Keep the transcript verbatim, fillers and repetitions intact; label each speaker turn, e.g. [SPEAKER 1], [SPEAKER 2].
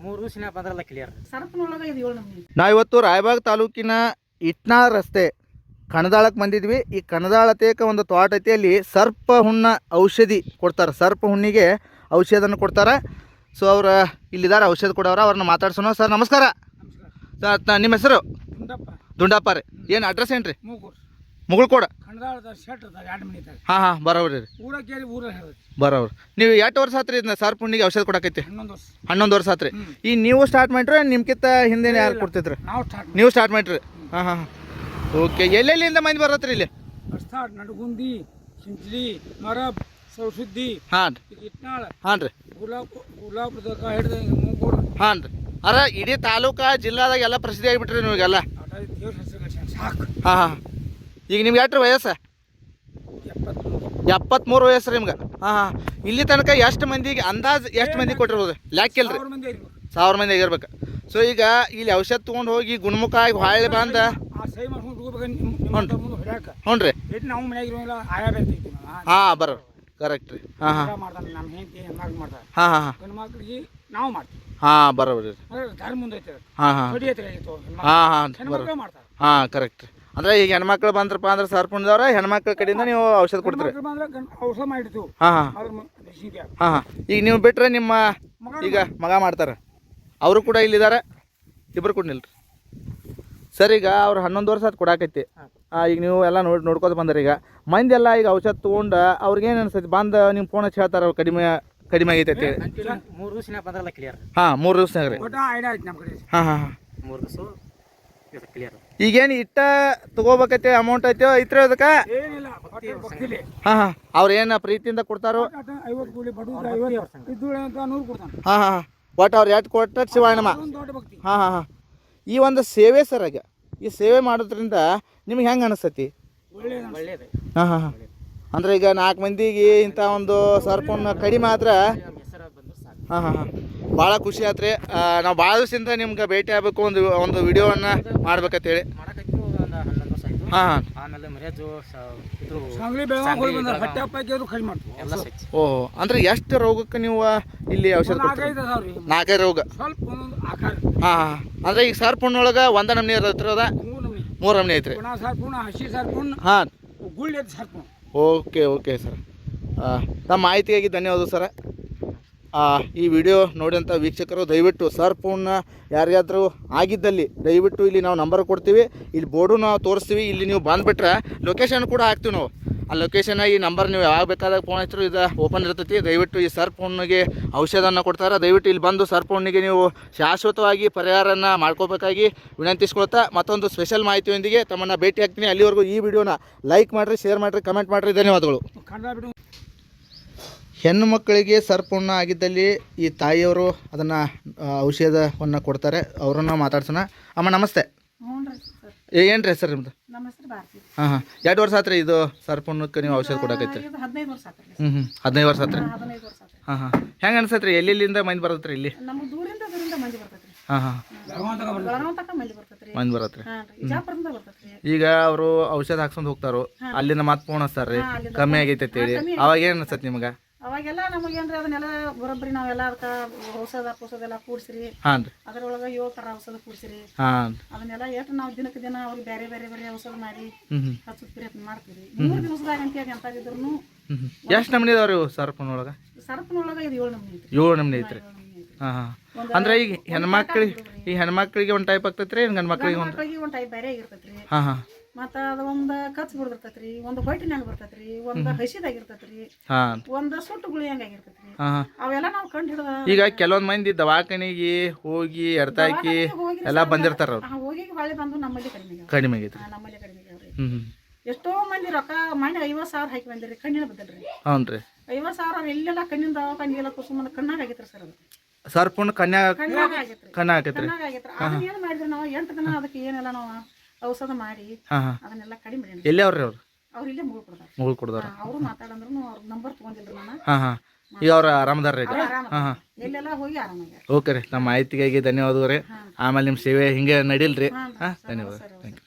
[SPEAKER 1] ಮೂರು ದಿವಸ ಬಂದ್ರಲ್ಲ ಕ್ಲಿಯರ್.
[SPEAKER 2] ಸರ್ಪನೊಳಗೆ ಇದು ಏಳು ನಮೂನಿ.
[SPEAKER 3] ನಾವಿವತ್ತು ರಾಯಬಾಗ್ ತಾಲೂಕಿನ ಇಟ್ನಾಳ್ ರಸ್ತೆ ಕಣದಾಳಕ್ಕೆ ಬಂದಿದ್ವಿ. ಈ ಕಣದಾಳತೇಕ ಒಂದು ತೋಟ ಐತಿ, ಅಲ್ಲಿ ಸರ್ಪ ಹುಣ್ಣ ಔಷಧಿ ಕೊಡ್ತಾರೆ. ಸರ್ಪ ಹುಣ್ಣಿಗೆ ಔಷಧನ ಕೊಡ್ತಾರೆ. ಸೊ ಅವ್ರು ಇಲ್ಲಿದ್ದಾರೆ ಔಷಧ ಕೊಡೋರು, ಅವ್ರನ್ನ ಮಾತಾಡ್ಸೋಣ. ಸರ್ ನಮಸ್ಕಾರ. ಸರ್ ನಿಮ್ಮ ಹೆಸರು? ದುಂಡಪ್ಪ ರೀ. ಏನು ಅಡ್ರೆಸ್ ಏನು ರೀ? ಮುಗುಳ್ಕೋಡ. ಹಾಂ ಹಾಂ ಬರೋವ್ರಿ ರೀ. ಬರೋವ್ರಿ. ನೀವು ಎಷ್ಟು ವರ್ಷ ಆತ್ರಿ ಇದನ್ನ ಸರ್ಪ ಹುಣ್ಣಿಗೆ ಔಷಧ ಕೊಡಕೈತಿ? ಹನ್ನೊಂದು ವರ್ಷ ಆತ್ರಿ. ಈ ನೀವು ಸ್ಟಾರ್ಟ್ ಮಾಡ್ರಿ ನಿಮ್ಕಿಂತ ಹಿಂದೆ ಯಾರು ಕೊಡ್ತಿದ್ರಿ? ನೀವು ಸ್ಟಾರ್ಟ್ ಮಾಡ್ರಿ. ಹಾಂ ಹಾಂ ಓಕೆ. ಎಲ್ಲೆಲ್ಲಿಂದ ಮಂದಿ ಬರತ್ರಿ ಇಲ್ಲಿ?
[SPEAKER 4] ನಡಗುಂದಿ, ಸಿಂಚಲಿ, ಮರಬ್, ಸೌಸುದ್ದಿ,
[SPEAKER 3] ಹಾಂ
[SPEAKER 4] ಇಟ್ನಾಳ,
[SPEAKER 3] ಹಾಂ ರೀ,
[SPEAKER 4] ಗುಲಾಬ್ ಹಿಡಿದ ಮೂಗೂರು.
[SPEAKER 3] ಹಾಂ ರೀ. ಅರ ಇಡೀ ತಾಲೂಕಾ ಜಿಲ್ಲಾದಾಗ ಎಲ್ಲ ಪ್ರಸಿದ್ಧಿ ಆಗಿಬಿಟ್ರಿ ನಿಮಗೆಲ್ಲ.
[SPEAKER 4] ಸಾಕು.
[SPEAKER 3] ಹಾಂ ಹಾಂ. ಈಗ ನಿಮ್ಗೆ ಎಷ್ಟು ವಯಸ್ಸು? ಎಪ್ಪತ್ತ್ಮೂರು ವಯಸ್ಸು ರೀ ನಿಮ್ಗೆ. ಹಾಂ ಹಾಂ. ಇಲ್ಲಿ ತನಕ ಎಷ್ಟು ಮಂದಿಗೆ ಅಂದಾಜು ಎಷ್ಟು ಮಂದಿ ಕೊಟ್ಟಿರ್ಬೋದು? ಲ್ಯಾಕಿಲ್ರಿ, ಸಾವಿರ ಮಂದಿ ಆಗಿರ್ಬೇಕು. ಸೊ ಈಗ ಇಲ್ಲಿ ಔಷಧ ತೊಗೊಂಡು ಹೋಗಿ ಗುಣಮುಖ ಆಗಿ ಹೊಳ್ಳಿ ಬಂದ ಹ್ಞೂ ರೀ. ಹಾಂ ಬರೋ ಕರೆಕ್ಟ್ ರೀ. ಹಾಂ ಹಾಂ ಹಾಂ ಹಾಂ ಹಾಂ ಹಾಂ ಬರೋಬ್ರಿ ರೀ. ಹಾಂ ಹಾಂ ಹಾಂ ಹಾಂ ಬರೋ ಹಾಂ ಕರೆಕ್ಟ್ ರೀ. ಅಂದ್ರೆ ಈಗ ಹೆಣ್ಮಕ್ಳು ಬಂದ್ರಪ್ಪ ಅಂದ್ರೆ ಸರ್ಪುಣ್ದವ್ರ ಹೆಣ್ಮಕ್ಳ ಕಡೆಯಿಂದ ನೀವು ಔಷಧ ಕೊಡ್ತೀರಿ?
[SPEAKER 4] ಔಷಧ ಮಾಡಿರ್ತೀವಿ.
[SPEAKER 3] ಹಾಂ ಹಾಂ ಹಾಂ ಹಾಂ. ಈಗ ನೀವು ಬಿಟ್ರೆ ನಿಮ್ಮ ಈಗ ಮಗ ಮಾಡ್ತಾರೆ, ಅವರು ಕೂಡ ಇಲ್ಲಿದ್ದಾರೆ, ಇಬ್ಬರು ಕೂಡ ನಿಲ್ರಿ ಸರ್. ಈಗ ಅವ್ರು ಹನ್ನೊಂದು ವರ್ಷ ಅದು ಕೊಡಾಕೈತಿ. ಈಗ ನೀವು ಎಲ್ಲ ನೋಡಿ ನೋಡ್ಕೊತ ಬಂದ್ರಿ. ಈಗ ಮಂದಿ ಎಲ್ಲ ಈಗ ಔಷಧ ತೊಗೊಂಡು ಅವ್ರಿಗೇನು ಅನ್ಸೈತಿ? ಬಂದು ನಿಮ್ಮ ಫೋನ್ ಹಚ್ಚಿ ಹೇಳ್ತಾರೆ ಅವ್ರು ಕಡಿಮೆ ಕಡಿಮೆ ಆಗೈತೆ ಅಂತೇಳಿ.
[SPEAKER 1] ಮೂರು ದಿವಸ ಬಂದ್ರಲ್ಲ ಕ್ಲಿಯರ್.
[SPEAKER 3] ಹಾಂ ಮೂರು ದಿವ್ಸನಾಗ ರೀ. ಹಾಂ ಹಾಂ ಹಾಂ
[SPEAKER 1] ಮೂರು ದಿವಸ ಕ್ಲಿಯರ್.
[SPEAKER 3] ಈಗೇನು ಇಟ್ಟ ತಗೋಬೇಕೈತೆ ಅಮೌಂಟ್ ಐತೋ ಐತ್ರಿ ಅದಕ್ಕೆ? ಹಾಂ ಹಾಂ. ಅವ್ರು ಏನು ಪ್ರೀತಿಯಿಂದ ಕೊಡ್ತಾರೋ? ಹಾಂ ಹಾಂ. ಒಟ್ಟು ಅವ್ರು ಎಷ್ಟು ಕೊಟ್ಟ ಶಿವಾಯಣಮ್ಮ. ಹಾಂ ಹಾಂ ಹಾಂ. ಈ ಒಂದು ಸೇವೆ ಸರ್, ಆಗ ಈ ಸೇವೆ ಮಾಡೋದ್ರಿಂದ ನಿಮ್ಗೆ ಹೆಂಗೆ ಅನಿಸ್ತೈತಿ?
[SPEAKER 1] ಒಳ್ಳೇದು.
[SPEAKER 3] ಹಾಂ ಹಾಂ ಹಾಂ. ಅಂದ್ರೆ ಈಗ ನಾಲ್ಕು ಮಂದಿಗೆ ಇಂಥ ಒಂದು ಸರ್ಪನ್ನ ಕಡಿಮೆ ಆದ್ರೆ ಹಾಂ ಹಾಂ ಹಾಂ ಭಾಳ ಖುಷಿ ಆತ್ರಿ. ನಾವು ಭಾಳ ದಿವಸದಿಂದ ನಿಮ್ಗೆ ಭೇಟಿ ಆಗಬೇಕು, ಒಂದು ಒಂದು ವಿಡಿಯೋವನ್ನು ಮಾಡ್ಬೇಕಂತೇಳಿ. ಹಾಂ ಹಾಂ.
[SPEAKER 1] ಆಮೇಲೆ ಮರ್ಯಾಜು
[SPEAKER 3] ಓಹೋ. ಅಂದ್ರೆ ಎಷ್ಟು ರೋಗಕ್ಕೆ ನೀವು ಇಲ್ಲಿ ಔಷಧ ಕೊಡ್ತೀರಿ? ನಾಲ್ಕೈದು ರೋಗ. ಹಾಂ ಹಾಂ. ಅಂದ್ರೆ ಈಗ ಸರ್ಪಣ್ಣೊಳಗೆ ಒಂದ ನಮ್ನಿ ಇರೋದ ಮೂರು ನಮ್ನಿ ಐತ್ರಿ? ಹಾಂ. Okay okay sir. ತಮ್ಮ ಮಾಹಿತಿಯಾಗಿ ಧನ್ಯವಾದ ಸರ್. ಈ ವಿಡಿಯೋ ನೋಡಿದಂಥ ವೀಕ್ಷಕರು ದಯವಿಟ್ಟು ಸರ್ಪನ್ನ ಯಾರಿಗಾದ್ರೂ ಆಗಿದ್ದಲ್ಲಿ ದಯವಿಟ್ಟು ಇಲ್ಲಿ ನಾವು ನಂಬರ್ ಕೊಡ್ತೀವಿ, ಇಲ್ಲಿ ಬೋರ್ಡು ನಾವು ತೋರಿಸ್ತೀವಿ. ಇಲ್ಲಿ ನೀವು ಬಂದುಬಿಟ್ರೆ ಲೊಕೇಶನ್ ಕೂಡ ಹಾಕ್ತೀವಿ ನಾವು. ಆ ಲೊಕೇಶನ್ ಈ ನಂಬರ್ ನೀವು ಯಾವಾಗ ಬೇಕಾದಾಗ ಫೋನ್ ಹಚ್ಚಿದ್ರು ಇದು ಓಪನ್ ಇರ್ತೈತಿ. ದಯವಿಟ್ಟು ಈ ಸರ್ಪಣ್ಣಿಗೆ ಔಷಧನ ಕೊಡ್ತಾರೆ. ದಯವಿಟ್ಟು ಇಲ್ಲಿ ಬಂದು ಸರ್ಪಣ್ಣಿಗೆ ನೀವು ಶಾಶ್ವತವಾಗಿ ಪರಿಹಾರನ ಮಾಡ್ಕೋಬೇಕಾಗಿ ವಿನಂತಿಸ್ಕೊಳ್ತಾ ಮತ್ತೊಂದು ಸ್ಪೆಷಲ್ ಮಾಹಿತಿಯೊಂದಿಗೆ ತಮ್ಮನ್ನು ಭೇಟಿ ಆಗ್ತೀನಿ. ಅಲ್ಲಿವರೆಗೂ ಈ ವಿಡಿಯೋನ ಲೈಕ್ ಮಾಡಿರಿ, ಶೇರ್ ಮಾಡಿರಿ, ಕಮೆಂಟ್ ಮಾಡಿರಿ. ಧನ್ಯವಾದಗಳು. ಹೆಣ್ಣು ಮಕ್ಕಳಿಗೆ ಸರ್ಪುಣ್ಣ ಆಗಿದ್ದಲ್ಲಿ ಈ ತಾಯಿಯವರು ಅದನ್ನು ಔಷಧವನ್ನು ಕೊಡ್ತಾರೆ. ಅವರನ್ನು ಮಾತಾಡ್ಸೋಣ. ಅಮ್ಮ ನಮಸ್ತೆ. ಏನು ರೀ ಹೆಸರು ನಿಮ್ಮದು? ಹಾಂ ಹಾಂ. ಎರಡು ವರ್ಷ ಆತ್ರಿ ಇದು ಸರ್ಪುಣ್ಣಕ್ಕೆ ನೀವು ಔಷಧ ಕೊಡಕೈತ್ರಿ? ಹ್ಞೂ ಹ್ಞೂ ಹದಿನೈದು ವರ್ಷ ಆತ್ರಿ. ಹಾಂ ಹಾಂ. ಹೆಂಗೆ ಅನ್ಸತ್ರಿ? ಎಲ್ಲೆಲ್ಲಿಂದ ಮಂದಿ ಬರತ್ರಿ ಇಲ್ಲಿ? ಹಾಂ ಹಾಂ ಮಂದಿ ಬರತ್ರಿ. ಈಗ ಅವರು ಔಷಧ ಹಾಕ್ಸ್ಕೊಂಡು ಹೋಗ್ತಾರೋ, ಅಲ್ಲಿಂದ ಮತ್ತೆ ಫೋನ್ ಹಚ್ತಾರ್ರಿ ಕಮ್ಮಿ ಆಗೈತೆ ಅಂತೇಳಿ. ಅವಾಗ ಏನು ಅನ್ಸತ್ತೆ ನಿಮ್ಗೆ?
[SPEAKER 2] ಅವಾಗೆಲ್ಲ ನಮಗೇನ್ರಿ ಅದನ್ನೆಲ್ಲ ಬರೋಬ್ಬರಿ ನಾವೆಲ್ಲ ಅದಕ್ಕೆ ಔಷಧ ಔಷಧ ಎಲ್ಲ ಕೂಡ್ಸಿರಿ.
[SPEAKER 3] ಹಾಂ ರೀ.
[SPEAKER 2] ಅದ್ರೊಳಗೆ ಏಳು ಥರ ಔಷಧ ಕೂಡ್ಸಿರಿ.
[SPEAKER 3] ಹಾಂ.
[SPEAKER 2] ಅದನ್ನೆಲ್ಲ ಎಷ್ಟು ನಾವು ದಿನಕ್ಕೆ ದಿನ ಅವ್ರಿಗೆ ಬೇರೆ ಬೇರೆ ಬೇರೆ ಔಷಧ ಮಾಡಿ ಹಚ್ಚೋದು ಪ್ರಯತ್ನ ಮಾಡ್ತೀವಿ. ಮೂರು ದಿವಸದಾಗ ಅಂತೇಳಿ ಎಂತಾಗಿದ್ರು
[SPEAKER 3] ಎಷ್ಟು ನಮ್ನಿ ಇದಾವ್ರಿ ಸರ್ಪನೊಳಗೆ?
[SPEAKER 2] ಸರ್ಪನೊಳಗೆ ಇದು ಏಳು ನಮ್ನಿ ಐತ್ರಿ.
[SPEAKER 3] ಏಳು ನಮ್ನಿ ಐತ್ರಿ. ಹಾಂ ಹಾಂ. ಅಂದ್ರೆ ಈಗ ಹೆಣ್ಮಕ್ಳಿಗೆ ಈ ಹೆಣ್ಮಕ್ಳಿಗೆ ಒಂದು ಟೈಪ್ ಆಗ್ತೈತ್ರಿ, ಗಂಡು ಮಕ್ಳಿಗೆ ಒಂದು
[SPEAKER 2] ಒಂದು ಟೈಪ್ ಬೇರೆ ಆಗಿರ್ತೈತ್ರಿ.
[SPEAKER 3] ಹಾಂ ಹಾಂ.
[SPEAKER 2] ಮತ್ತು ಅದು ಒಂದು ಕಚ್ ಬಿಡ್ದಿರ್ತೈತ್ರಿ, ಒಂದು ಹೊಟ್ಟಿನಾಗ ಬರ್ತೈತ್ರಿ, ಒಂದು ಹಸಿದಾಗಿರ್ತೈತ್ರಿ,
[SPEAKER 3] ಹಾಂ,
[SPEAKER 2] ಒಂದು ಸುಟ್ಟು ಗುಳಿ ಹಂಗಾಗಿರ್ತೈತ್ರಿ.
[SPEAKER 3] ಹಾಂ.
[SPEAKER 2] ಅವೆಲ್ಲ ನಾವು ಕಂಡು ಹಿಡಿದ
[SPEAKER 3] ಈಗ ಕೆಲವೊಂದು ಮಂದಿ ದವಾಖಾನಿಗೆ ಹೋಗಿ ಎಡ್ತಾಕಿ ಎಲ್ಲ ಬಂದಿರ್ತಾರ. ಅವ್ರು
[SPEAKER 2] ಹೋಗಿ ಹೊಳೆ ಬಂದು ನಮ್ಮಲ್ಲಿ ಕಡಿಮೆ
[SPEAKER 3] ಕಡಿಮೆ ಆಗೈತ್ರಿ.
[SPEAKER 2] ನಮ್ಮಲ್ಲಿ ಕಡಿಮೆ ಆಗ್ಯಾವ್ರಿ.
[SPEAKER 3] ಹ್ಞೂ.
[SPEAKER 2] ಎಷ್ಟೋ ಮಂದಿ ರೊಕ್ಕ ಮನೆ ಐವತ್ತು ಸಾವಿರ ಹಾಕಿ ಬಂದಿರಿ, ಕಣ್ಣಿನ ಬದಲ್ರಿ.
[SPEAKER 3] ಹ್ಞೂ ರೀ.
[SPEAKER 2] ಐವತ್ತು ಸಾವಿರ ಎಲ್ಲೆಲ್ಲ ಕಣ್ಣಿನ ದವಾಖಾನಿಗೆಲ್ಲ ಕುಸುಮನ ಕಣ್ಣಾಗ ಆಗೈತ್ರಿ ಸರ್. ಅದು
[SPEAKER 3] ಸರ್ಪುಣ್ಣ ಕನ್ಯಾ
[SPEAKER 2] ಕಣ್ಣಾಗ ಆಗೈತ್ರಿ.
[SPEAKER 3] ಕಣ್ಣಾಗ ಆಗೈತ್ರಿ.
[SPEAKER 2] ಕಣ್ಣಾಗ ಆಗೈತ್ರಿ. ಅದನ್ನ ಏನು ಮಾಡಿದ್ರಿ ನಾವು ಎಂಟು ದಿನ ಅದಕ್ಕೆ ಏನೆಲ್ಲ ನಾವು ಔಷಧ ಮಾಡಿ ಅದನ್ನೆಲ್ಲ ಕಡಿಮೆ ಮಾಡಿ.
[SPEAKER 3] ಎಲ್ಲಿ ಅವ್ರಿ ಅವ್ರು?
[SPEAKER 2] ಅವ್ರು ಇಲ್ಲೇ ಮುಗುಳ್ ಕೊಡ್ತಾರೆ.
[SPEAKER 3] ಮುಗುಳ್ ಕೊಡ್ತಾರ.
[SPEAKER 2] ಅವರು ಮಾತಾಡಂದ್ರು ಅವ್ರ ನಂಬರ್ ತಗೊಂಡಿಲ್ರಿ ನಾನು.
[SPEAKER 3] ಹಾಂ ಹಾಂ. ಈಗ ಅವ್ರು ಆರಾಮದಾರ ರೀ?
[SPEAKER 2] ಹಾಂ ಹಾಂ. ಎಲ್ಲೆಲ್ಲ ಹೋಗಿ ಆರಾಮಾಗ್ಯಾರ.
[SPEAKER 3] ಓಕೆ ರೀ. ನಮ್ಮ ಮಾಹಿತಿಗಾಗಿ ಧನ್ಯವಾದಗಳು ರೀ. ಆಮೇಲೆ ನಿಮ್ಮ ಸೇವೆ ಹಿಂಗೆ ನಡೀಲ್ರಿ. ಹಾಂ ಧನ್ಯವಾದ. Thank you.